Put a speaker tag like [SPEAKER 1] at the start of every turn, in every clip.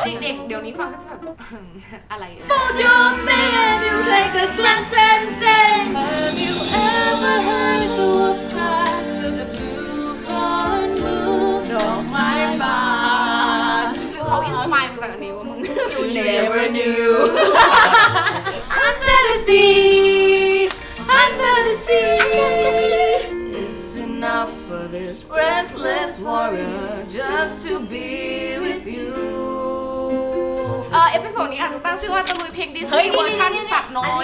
[SPEAKER 1] เด็กๆเดี๋ยวนี้ฟังก็จะแบบอะไร
[SPEAKER 2] Hold your man, you take a glance and then have you ever heard the path to the blue corn moon? ดอกไม้บาน
[SPEAKER 1] หรือเขาอินสปายมาจากอันนี้ว่ามึง
[SPEAKER 2] You never knew. Under the sea, under the sea. It's enough for this restless warrior just to be with you.
[SPEAKER 1] เอพิโซดนี้อาจจะตั้งชื่อว่าตะลุยเพลงดิสนีย์เวอร์ชันสัตว์น้อย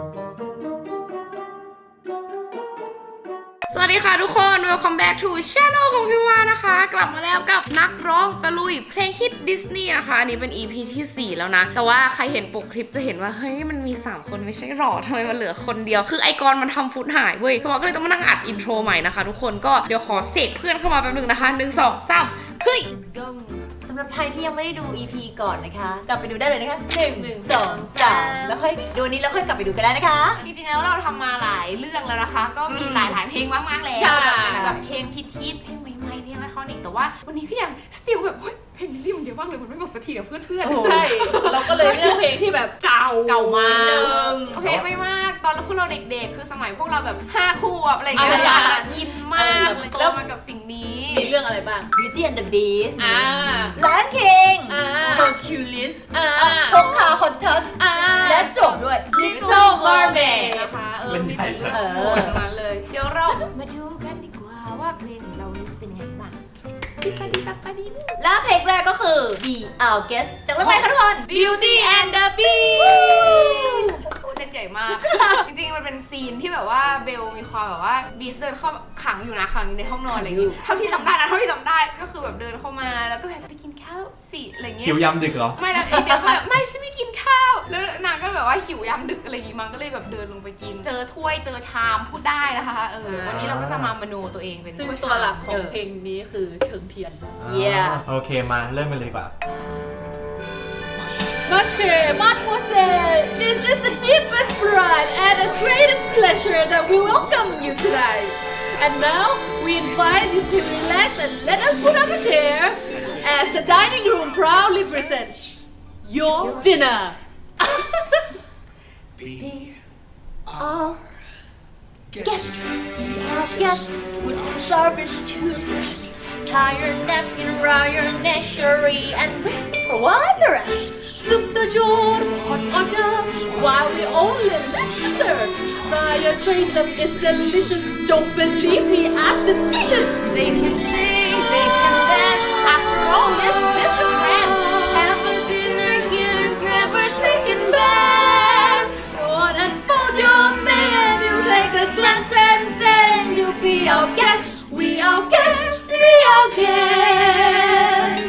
[SPEAKER 1] สวัสดีค่ะทุกคน Welcome back to Channel ของพี่วานะคะ กลับมาแล้วกับนักร้องตะลุยเพลงฮิตดิสนีย์นะคะอันนี้เป็น EP ที่ 4 แล้วนะ แต่ว่าใครเห็นปกคลิปจะเห็นว่าเฮ้ยมันมี 3 คนไม่ใช่หรอทำไมมันเหลือคนเดียวคือไอกรมันทำฟุตหายเว้ยพี่วาก็เลยต้องมานั่งอัดอินโทรใหม่นะคะทุกคนก็เดี๋ยวขอเสกเพื่อนเข้ามาแป๊บนึงนะคะ1 2 3เฮ้ย
[SPEAKER 2] สำหรับใครที่ยังไม่ได้ดู EP ก่อนนะคะ กลับไปดูได้เลยนะคะ1 2 3แล้วค่อยดูนี้แล้วค่อยกลับไปดูกันได้นะคะ
[SPEAKER 1] จริงๆแล้วเราทำมาหลายเรื่องแล้วนะคะ ก็มีหลายๆเพลงมากๆแล้ว
[SPEAKER 2] ใช่
[SPEAKER 1] แบบเพลงฮิตๆเพลงใหม่ๆเพลงไอคอนิกแต่ว่าวันนี้ก็ยังสติลแบบเฮ้ยเพลงนี้มันเยอะมากเลยมันไม่หมดสักทีกับเพื่อนๆ
[SPEAKER 2] ใช่ เราก็เลยเลือกเพลงที่แบบเก่ามาก
[SPEAKER 1] โอเคไม่มากตอนพวกเราเด็กๆคือสมัยพวกเราแบบ5 ขวบอะไรอย่างเงี้ย
[SPEAKER 2] อ่า
[SPEAKER 1] จะอินมากเลยโตมากับสิ่งนี้
[SPEAKER 2] มีเรื่องอะไรบ้าง Beauty and the Beast Lion King Hercules พกคาคอนทัสและจบด้วย Little Mermaid
[SPEAKER 1] นะคะมีแต่เรื่องโหดทั้งนั้นเลยเดี๋ยวเรามาดูกันดีกว่าว่าเพลงของเรานี้จะเป็นยังไงบ้าง
[SPEAKER 2] และเพลงแรกก็คือ Be Our Guest จากเรื่องอะไรคะทุกคน
[SPEAKER 1] Beauty and the Beast เล่นใหญ่มาก จริงๆมันเป็นซีนที่แบบว่าเบลมีความแบบว่าบีสเดินเข้าขังอยู่ในห้องนอนอะไรอย่างงี้เท่าที่จำได้ก็คือแบบเดินเข้ามาแล้วก็แบบไปกินข้าวสิอะไรเงี้ย
[SPEAKER 3] หิวยำดึกเหรอ
[SPEAKER 1] ไม่นะเบลก็แบบไม่ฉันไม่กินข้าวแล้วนางก็แบบว่าหิวยามดึกอะไรอย่างงี้มันก็เลยแบบเดินลงไปกิน เจอถ้วยเจอชามพูดได้นะคะวันนี้เราก็จะมามโนตัวเองเป็น
[SPEAKER 4] ซึ่ง
[SPEAKER 1] ถ้วย
[SPEAKER 4] ตั
[SPEAKER 1] ชาว ม
[SPEAKER 4] หลักของเพลงนี้คือเชิงเทียน
[SPEAKER 2] Yeah
[SPEAKER 3] โอเคมาเริ่มกันเลยดีกว่า
[SPEAKER 2] Mademoiselle, this is the deepest pride and the greatest pleasure that we welcome you tonight. And now, we invite you to relax and let us put up a chair as the dining room proudly presents your dinner.
[SPEAKER 5] Be
[SPEAKER 2] Our guest, be our guest, with the service to the test. Tie your napkin around your neck, sherry, and wait for what the rest. Soup de jour, hot hors d'oeuvres, while we only left dessert. Try a taste of it's delicious. Don't believe me, ask the dishes.
[SPEAKER 1] They can sing, they can dance. After all, this is France.
[SPEAKER 2] Have a dinner here is never second best. Go on and fold your man. You take a glance and then you be our guest. We our guests, be our guests.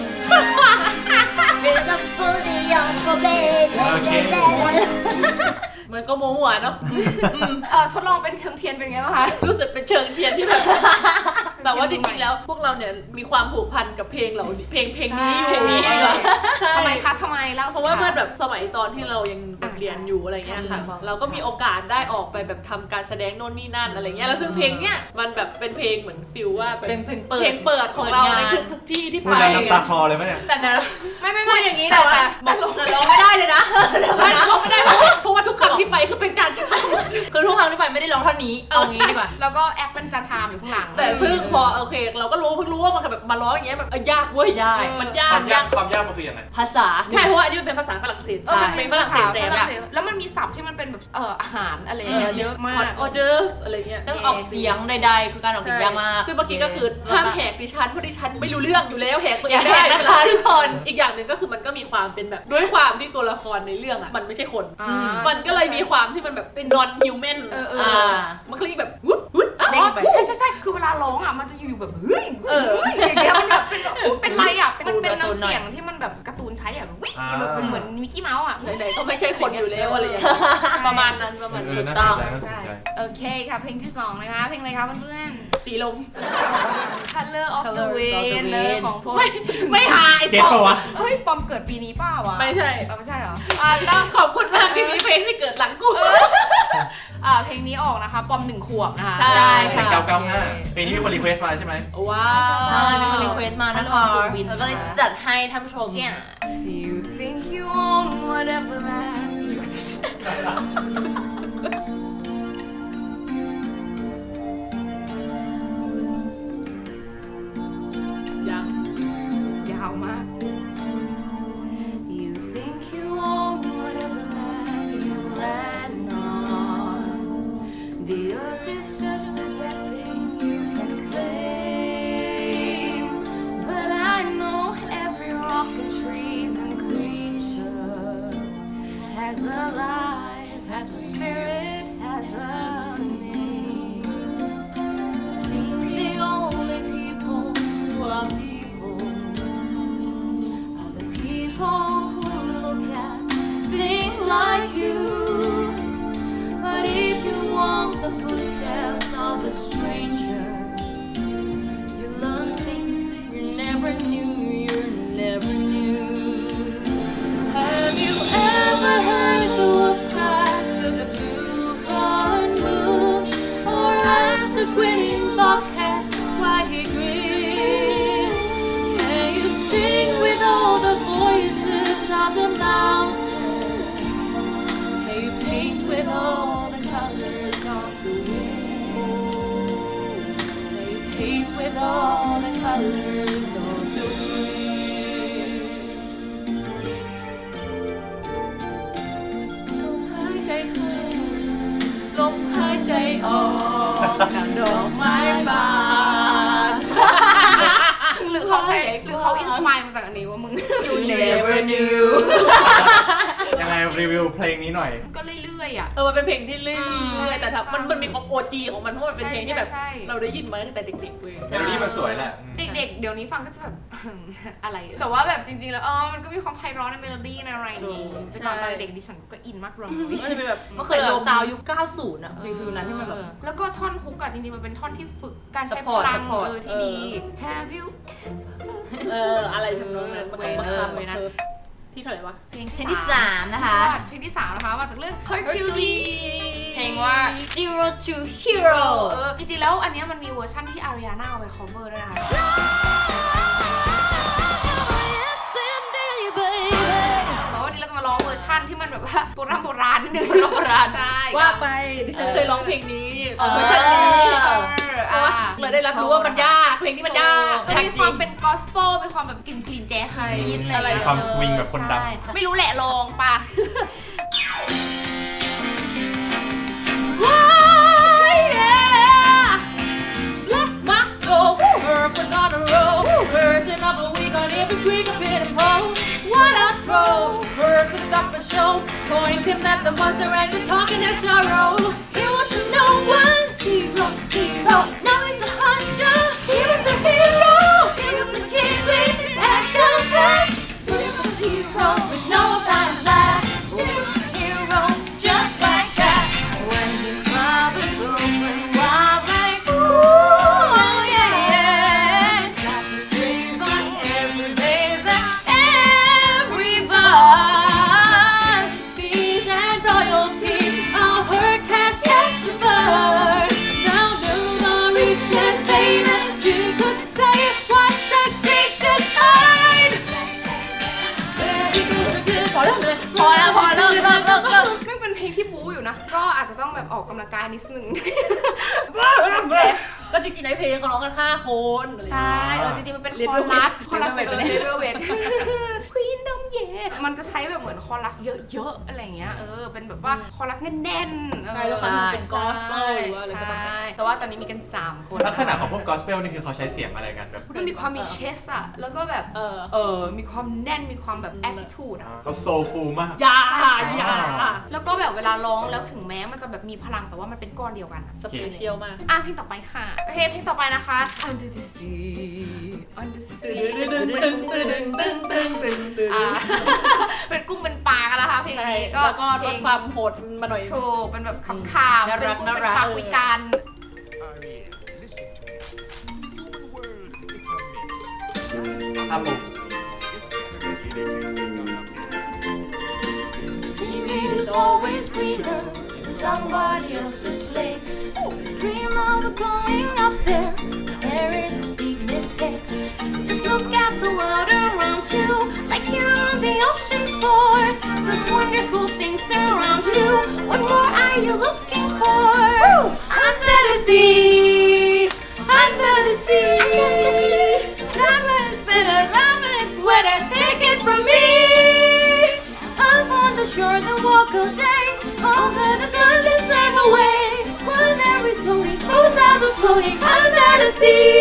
[SPEAKER 2] With a booty on the bed.
[SPEAKER 3] โอเค
[SPEAKER 4] มันก็โม้หัวเนาะ
[SPEAKER 1] ทดลองเป็นเทิงเทียนเป็นไงบ้างคะ
[SPEAKER 4] รู้สึกเป็นเชิงเทียนที่แบบ แต่ว่าจริงๆแล้วพวกเราเนี่ยมีความผูกพันกับเพลงเราเพลงนี้อยู่
[SPEAKER 1] ใช่
[SPEAKER 4] ดีกว่าใช่
[SPEAKER 1] ทำไมคะทำไมเล่าสิ
[SPEAKER 4] เพราะว่าเมื่อแบบสมัยตอนที่เรายังเรียนอยู่อะไรเงี้ยค่ะ เราก็มีโอกาสได้ออกไปแบบทำการแสดงโน่นนี่นั่นอะไรเงี้ยแล้วซึ่งเพลงเนี้ยมันแบบเป็นเพลงเหมือนฟิลว่าเป็นเพลงเปิดของเราในทุกที่ที่
[SPEAKER 3] พู
[SPEAKER 4] ไป
[SPEAKER 3] ดแล้วน้ำตาคลอเลยไหมเนี่ย
[SPEAKER 4] แต่นะ
[SPEAKER 1] ไม่
[SPEAKER 4] พูดอย่างนี้แต่ว่าบอกร้องไม่ได้เลยนะใช่ร้องไม่ได้เพราะว่าทุกครั้งที่ไปคือเป็นจานชาม
[SPEAKER 2] คือทุกครั้งที่ไปไม่ได้ร้องเท่านี้ เอางี้ดีกว่า
[SPEAKER 1] แล้วก็แอคเป็นจาชามอยู่ข้างหลัง
[SPEAKER 4] แต่ซึ่งพอโอเคเราก็เพิ่งรู้ว่ามันแบบมาร้องอย่างเงี้ยแบบยากเว้ย
[SPEAKER 2] ยาก
[SPEAKER 4] มันยาก
[SPEAKER 3] ความยากมันคือยังไง
[SPEAKER 2] ภาษา
[SPEAKER 4] ใช่เพราะว่าอันนี้มันเป็นภาษาฝรั่งเศส
[SPEAKER 1] มัน
[SPEAKER 4] เป็นฝรั่งเศสแสบอะ
[SPEAKER 1] แล้วมันมีศัพท์ที่มันเป็นแบบอาหารอะไรอย่างเงี้ยเยอะมาก
[SPEAKER 4] ออเดอร์อะไรเงี้ย
[SPEAKER 2] ต้องออกเสียงใดๆ คือการออกเสียงยากมาก
[SPEAKER 4] ซึ่งเมื่อกี้ก็คือห้ามแหกดิฉันเพราะดิฉันไม่รู้เรื่องอยู่แล้วแหกตัวเอ
[SPEAKER 2] อย่าง แห
[SPEAKER 4] ได้
[SPEAKER 2] กนะคะทุกคน
[SPEAKER 4] อีกอย่างหนึ่งก็คือมันก็มีความเป็นแบบด้วยความที่ตัวละครในเรื่องอะมันไม่ใช่คน
[SPEAKER 1] อ่า
[SPEAKER 4] มันก็เลยมีความที่มันแบบเป็น non human มันก็เลยแบบวุ้ด
[SPEAKER 2] เด้งไป
[SPEAKER 1] ใช่คือเวลาร้องอ่ะมันจะอยู่แบบเฮ้ยอย่างเงี้ยมันแบบเป็นไรอ่ะมันเป็นน้ำเสียงที่มันแบบการ์ตูนใช้อ่ะวิ่งแบบเหมือนมิกกี้เมาส์อ่ะ
[SPEAKER 4] ไหนๆก็ไม่ใช่คนอยู่แล้วอะไรอย่างเงี้ยประมาณนั้นประมาณ
[SPEAKER 3] เอ
[SPEAKER 4] นั้
[SPEAKER 3] อน น่าสนใจน่าสนใจ
[SPEAKER 1] โอเคค่ะเพลงที่2นะคะเพลงอะไรคะเพื่อน
[SPEAKER 4] สีลม
[SPEAKER 1] ๆ Color of the
[SPEAKER 2] Colors of the
[SPEAKER 1] Wind เลย
[SPEAKER 2] Wind
[SPEAKER 1] ของพวก
[SPEAKER 4] ไม่หาย
[SPEAKER 3] เก็ตปะวะ
[SPEAKER 1] เฮ้ยปอมเกิดปีนี้เปล่าวะ
[SPEAKER 4] ไม่ใช่
[SPEAKER 1] ไม่ใช่เหรอ
[SPEAKER 4] ต้องขอบคุณมากที่มีเพลงที่เกิดหลังกู
[SPEAKER 1] เพลงนี้ออกนะคะปอม1 ขวบนะคะ
[SPEAKER 4] ใช่
[SPEAKER 3] เพลง995เพลงนี้มีคนรีเควสต์มาใช่ไหม
[SPEAKER 4] ว้า
[SPEAKER 2] ใช่
[SPEAKER 4] ว
[SPEAKER 2] มีคนรีเควสต์มานะคะแล้วก็เลยจัดให้ท่านผู้ชม
[SPEAKER 1] You think you own whatever land you
[SPEAKER 4] ยัง
[SPEAKER 1] ยาวมาก You think you own whatever land you land on. The earth is just a dead thing you can claim. But I know every rock and trees and creature has a life, has a spirit, has a name. I think the only people who are people are the people who look at things like you. But if you walk the footsteps of a stranger, you learn things you never knew, you never knew. Have you ever heard the wolf cry to the blue-corn moon, or asked the grinning bobcat why he grinned? Can you sing with all the voices of the mountain? Can you paint with all the colors of the wind? Can you paint with all the colors of the wind? ลมหายใจออกดังดอกไม้บาน หรือเขาใช้หรือเขาอินสปายมาจากอันนี้ว่ามึง You never knew
[SPEAKER 3] ยังไงรีวิวเพลงนี้หน่อย
[SPEAKER 1] ก็เรื่อยๆอ่ะ
[SPEAKER 4] มันเป็นเพลงที่เรื่อยๆแต่มันมีความ OG ของมันเพราะมันเป็นเพลงที่แบบ
[SPEAKER 1] ใช่
[SPEAKER 4] เราได้ยินมาตั้งแต่เด็กๆเว้ย
[SPEAKER 3] เมโลดี้มันสวยแหละ
[SPEAKER 1] เด็กๆ เดี๋ยวนี้ฟังก็จะแบบ อะไร แต่ว่าแบบจริงๆ แล้วมันก็มีความไพเราะในเมโลดี้ในอะไรอย่างงี้แต่ก่อนตอนเด็กๆดิฉันก็อินมากเลย
[SPEAKER 4] มันจะเป็นแบบ
[SPEAKER 2] มันเคยแบบซาวยุค 90 อ่ะฟิลนั้นที่มันแบบ
[SPEAKER 1] แล้วก็ท่อนฮุกอะจริงๆ มันเป็นท่อนที่ฝึกการใช้พ
[SPEAKER 2] Support
[SPEAKER 1] ลัง
[SPEAKER 2] support
[SPEAKER 1] ที่ดี Have you
[SPEAKER 4] อะไรทำนองนั้นมันต้องมาคำเลยนะที่เท่าไหร่วะ
[SPEAKER 1] เพลง
[SPEAKER 2] เพลงที่ 3 นะคะ
[SPEAKER 1] เพลงที่ 3 นะคะมาจากเรื่อง Hercules เพลงว่า
[SPEAKER 2] Zero to Hero
[SPEAKER 1] จริงๆ แล้วอันเนี้ยมันมีเวอร์ชั่นที่อาริอาน่าเอาไป cover ด้วยนะคะแต่ว่าวันนี้เราจะมาร้องเวอร์ชั่นที่มันแบบว่าโบราณนิดนึงโบราณใช่
[SPEAKER 4] ว่าไปดิฉันเคยร้องเพลงนี้เวอร์ชันนี้เพราะว่าเลยได้รับรู้ว่ามันยากเพลงที่มันยาก
[SPEAKER 1] มันมีความเป็นกอสเปลมีความแบบกลิ่นแจ๊สนิดๆอะไร
[SPEAKER 3] มีความสวิงแบบคนดัง
[SPEAKER 1] ไม่รู้แหละลองปะ
[SPEAKER 2] Bless my soul, Herb was on a roll, person of a week on every creek, a pit and pole. What a throw! Herb's a stop and show, point him at the monster and the talking is sorrow. He was a no one, zero. Now he's a hunter. He was a hero. He was a kid with his act of back. Zero hero with no time left. Zero hero, just like that. When his father goes went wild like ooh, oh yeah. Slap his rings on every base and every bus. Peace and royalty, all her cast catch the bird. Now the rich and famous, you could tell you what's the gracious side. Very good, พอแล้ว
[SPEAKER 1] ไม่เป็นเพลงที่บู๊อยู่นะ ก็อาจจะต้องแบบออกกำลังกายนิดนึง
[SPEAKER 4] ก็จริงๆในเพลงเขาร้องกัน5 คนอะไรอย่าง
[SPEAKER 1] ใช่
[SPEAKER 4] เงี้ย
[SPEAKER 1] จริงๆมันเป็น
[SPEAKER 4] Little
[SPEAKER 1] คอรัส
[SPEAKER 4] Wet
[SPEAKER 1] คอรัส
[SPEAKER 4] Little Wet
[SPEAKER 1] เลเวลเวทควีนดมเย่มันจะใช้แบบเหมือนคอรัสเยอะๆอะไรเงี้ยเป็นแบบว่าคอรัสแน่นๆ
[SPEAKER 4] ใช่แล้วมันเป็น gospel หรือว่าอะไรก็ตาม
[SPEAKER 1] ใช่แต่ว่าตอนนี้มีกัน3 คน
[SPEAKER 3] ลักษณะของพวกกอสเปลนี่คือเขาใช้เสียงอะไรกันแบบ
[SPEAKER 1] มันมีความมีเชสอะแล้วก็แบบมีความแน่นมีความแบบ attitude อะ
[SPEAKER 3] เขาโซฟูลมาก
[SPEAKER 4] ยา
[SPEAKER 1] แล้วก็แบบเวลาร้องแล้วถึงแม้มันจะแบบมีพลังแต่ว่ามันเป็นก้อนเดียวกันอะ
[SPEAKER 4] สเปเชียลมาก
[SPEAKER 1] เพลงต่อไปค่ะโอเคเพลงต่อไปนะคะ Under the Sea Under the Sea เป็นกุ้งเป็นปลากันนะคะเพลงนี้
[SPEAKER 4] แล้วก็ลดความโหดมาหน่อย
[SPEAKER 1] โชว์เป็นแบบขำๆเป็นกุ้งเป็นปลาคุยกัน
[SPEAKER 5] Ariel, listen to me. Human world, it's a mess.
[SPEAKER 3] ถ้าปุ๊บ
[SPEAKER 2] Sea is always greener in somebody else's lake. Dream of going up there. There is a big mistake. Just look at the world around you, like you're on the ocean floor. Such wonderful things surround you. What more are you looking for? Under the sea, under the sea. Diamonds better, diamonds wetter. Take it from me. Up on the shore, then walk all day. Under the sun, to slave away. Wherever it's going, boats are floating under the sea.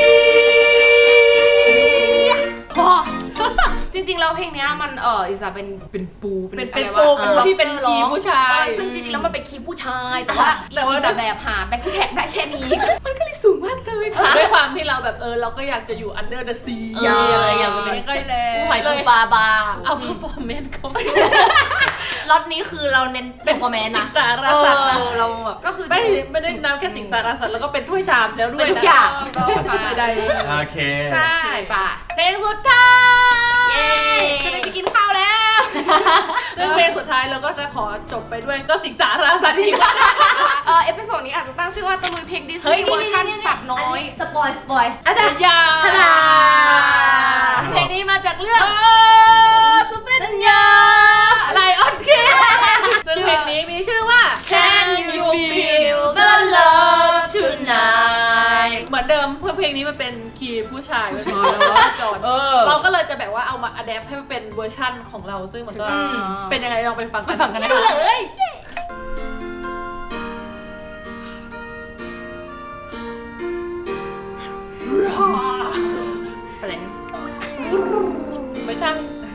[SPEAKER 1] จริงๆแล้วเพลงเนี้ยมันอิสาเป็นปู
[SPEAKER 4] เป็น
[SPEAKER 1] อะไร
[SPEAKER 4] ปู
[SPEAKER 1] วะ
[SPEAKER 4] เป็นที่เป็นคีย์ผู้ชาย
[SPEAKER 1] ซึ่งจริงๆแล้วมันเป็นคีย์ผู้ชายแต่ว่าอิสาแบบหาแบ็คแท็กได้แค่นี้ มันก็เลยสูงมากเลยค่ะ
[SPEAKER 4] ด้วยความที่เราแบบเราก็อยากจะอยู่ under the sea
[SPEAKER 2] อยากจะเป็น
[SPEAKER 4] ก็
[SPEAKER 2] ผู้หอยปูปลาบาง
[SPEAKER 4] เอา performance เขา
[SPEAKER 2] ล็อตนี้คือเราเน้นเป็นพอแมน
[SPEAKER 4] สิ
[SPEAKER 2] นะ
[SPEAKER 4] งสารสัตว์นะ
[SPEAKER 2] เราแบบ
[SPEAKER 1] ก็คือ
[SPEAKER 4] ไม่ได้นับแค่สิงสารสัตว์แล้วก็เป็นถ้วยชามแล้วด้วย
[SPEAKER 2] เป็นทุกอย่าง
[SPEAKER 1] ก็ไปได้
[SPEAKER 3] โอเค
[SPEAKER 1] ใช่ป่ะ
[SPEAKER 2] เพลงสุดท้าย
[SPEAKER 1] เย้จะได้ไปกินข้าวแล้ว
[SPEAKER 4] ซึ่งเพลงสุดท้ายเราก็จะขอจบไปด้วยก็สิงสารสัตว์อีก
[SPEAKER 1] เอพิโซดนี้อาจจะตั้งชื่อว่าตะลุยเพลงดิสนีย์เวอร์ชันสัตว์น้อย
[SPEAKER 2] สปอย
[SPEAKER 4] อาจารย์ยา
[SPEAKER 2] ทดา
[SPEAKER 4] เพลงนี้มาจากเรื่อง
[SPEAKER 2] สุดเป็นยา
[SPEAKER 4] ไลออนคิงซึ่งเพลงนี้มีชื่อว่า
[SPEAKER 2] Can you feel the love tonight
[SPEAKER 4] เหมือนเดิมเพื่อเพลงนี้มันเป็นคีย์ผู้ชายจอดเราก็เลยจะแบบว่าเอามาอัดแอปให้มันเป็นเวอร์ชั่นของเราซึ่งมันก็เป็นยังไงลองไปฟังกันนะ
[SPEAKER 2] ดูเลย
[SPEAKER 4] ไม่ใช่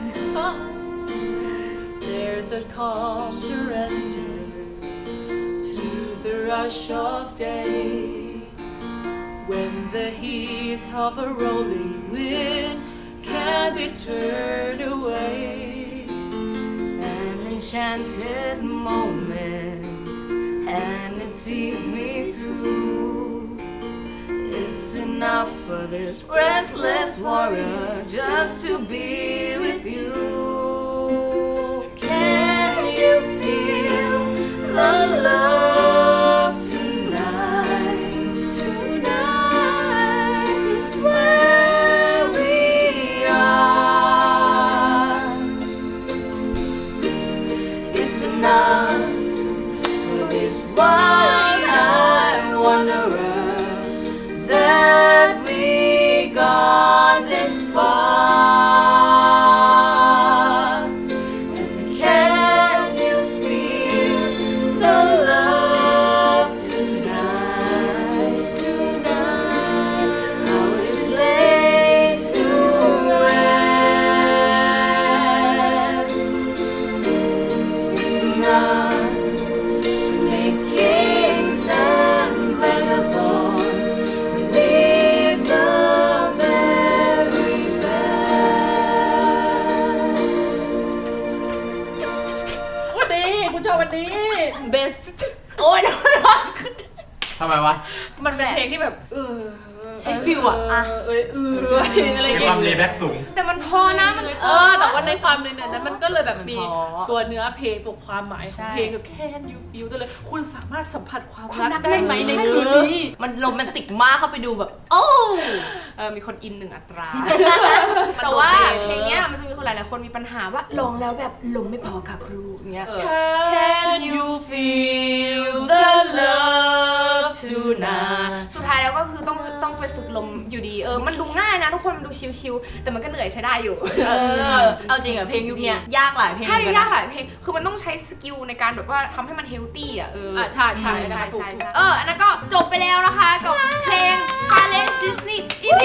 [SPEAKER 4] There's a calm surrender to the rush of day when the heat of a rolling wind can be turned away.
[SPEAKER 1] An enchanted moment and it sees me through. It's enough for this restless warrior just to be with you. Can you feel the love tonight? Tonight is where we are. It's enough for this one-eyed wanderer that we got this far. And can you feel the love tonight? Tonight, how it's laid to rest. It's enough to make kings and vagabonds live the very best.
[SPEAKER 4] วันนี้คุณชอบวันนี้
[SPEAKER 1] Best
[SPEAKER 2] โอ้ย
[SPEAKER 3] ทำไมวะ
[SPEAKER 4] มันเป็นเพลงที่แบบ
[SPEAKER 2] ใช้ฟิลอะ
[SPEAKER 4] อะไร
[SPEAKER 3] มี
[SPEAKER 4] เงี้
[SPEAKER 3] ความเลย แบ็กสูง
[SPEAKER 1] แต่มันพอนะมัน
[SPEAKER 4] แต่ว่าในความในนั้นมันก็เลยแบบมีตัวเนื้อเพลงตัวความหมายของเพลงคือ Can you feel ได้เลยคุณสามารถสัมผัสความรักได้ไหมในคืนนี้
[SPEAKER 2] มันโรแมนติกมากเข้าไปดูแบบ โอ้
[SPEAKER 1] มีคนอิน1 อัตรา แต่ว่าเพลงเนี้ยมันจะมีคนหลายๆคนมีปัญหาว่าลงแล้วแบบลมไม่พอค่ะครูเงี้ย Can you feel the love tonight สุดท้ายแล้วก็คือต้องไปฝึกลมอยู่ดีมันดูง่ายนะทุกคนมันดูชิลๆแต่มันก็เหนื่อยใช้ได้อยู่
[SPEAKER 2] เอาจริงอะเพลงยุคเนี้ยยากหลายเพลง
[SPEAKER 1] ใช่
[SPEAKER 2] เหมือนน
[SPEAKER 1] ยากหลายเพลงคือมันต้องใช้สกิลในการแบบว่าทำให้มันเฮลตี้อ่ะ
[SPEAKER 4] ใช่
[SPEAKER 1] ใช่อันนั้นก็จบไปแล้วนะคะกับเพลง Challenge Disney EP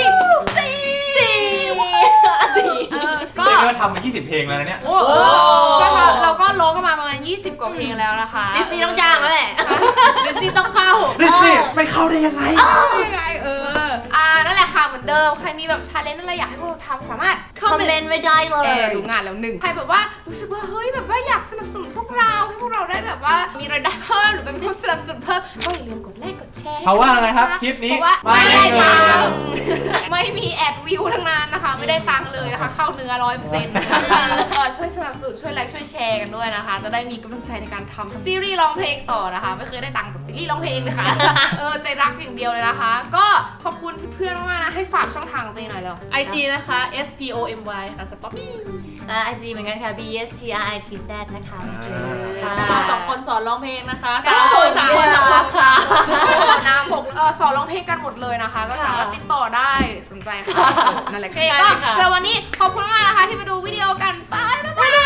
[SPEAKER 1] 4 ก็
[SPEAKER 3] เรียกว่าทำมา 20 เพลงแล้วนะเนี่ย
[SPEAKER 1] เราก็ร้องกันมาประมาณ20 กว่าเพลงแล้วนะคะ
[SPEAKER 2] ดิสนีย์ต้องจ้างแล้วแหละ
[SPEAKER 4] ดิสนีย์ต้องเข้า
[SPEAKER 3] ดิสนีย์ไม่เข้าได้ยังไง
[SPEAKER 1] ยังไงนั่นแหละค่ะเหมือนเดิมใครมีแบบชาเลนจ์อะไรอยากให้พวกเราทำสามารถ
[SPEAKER 2] คอมเมนต์ไว้ได้เลย
[SPEAKER 1] รู้งานแล้วหนึ่งใครแบบว่ารู้สึกว่าเฮ้ยแบบว่าอยากสนับสนุนพวกเราให้พวกเราได้แบบว่ามีรายได้เพิ่มหรือเป็นผู้สนับสนุนเพิ่มก็อย่าลืมกดไลค์กดแชร์
[SPEAKER 3] เขาว่าไงครับคลิปนี้
[SPEAKER 1] เพราะว่า
[SPEAKER 3] ไม่
[SPEAKER 1] ไม่
[SPEAKER 3] ได้
[SPEAKER 1] ได้
[SPEAKER 3] เงิน
[SPEAKER 1] ตังค์ไม่มีแอดวิวทั้งนั้นนะคะ ไม่ได้ตังค์เลยนะคะเข้าเนื้อ 100%นะคะช่วยสนับสนุนช่วยไลค์ช่วยแชร์กันด้วยนะคะ จะได้มีกำลังใจในการทำซีรีส์ร้องเพลงต่อนะคะ ไม่เคยได้ตังค์จากซีรีส์ร้องเพลงเลยค่ะ ใจรักอย่างเดียวเลยนะคะ ก็ขอบคุณเพื่อนๆมากๆนะให้ฝากช่องทางของตัวเองหน่อยเร็ว
[SPEAKER 4] IG นะคะ SPOMY ค่ะ Spoppy
[SPEAKER 2] ไอจีเหมือนกันค่ะ BSTRITZ นะคะ
[SPEAKER 4] พวกเรา2 คนสอนร้องเพลงนะคะ
[SPEAKER 1] สามคน
[SPEAKER 4] 3 คนค่ะ
[SPEAKER 1] น้ำผมสอนร้องเพลงกันหมดเลยนะคะ ก็สามารถติดต่อได้สนใจค่ะนั่นแหละก็สำหรับวันนี้ขอบคุณมากนะคะที่มาดูวิดีโอกันบาย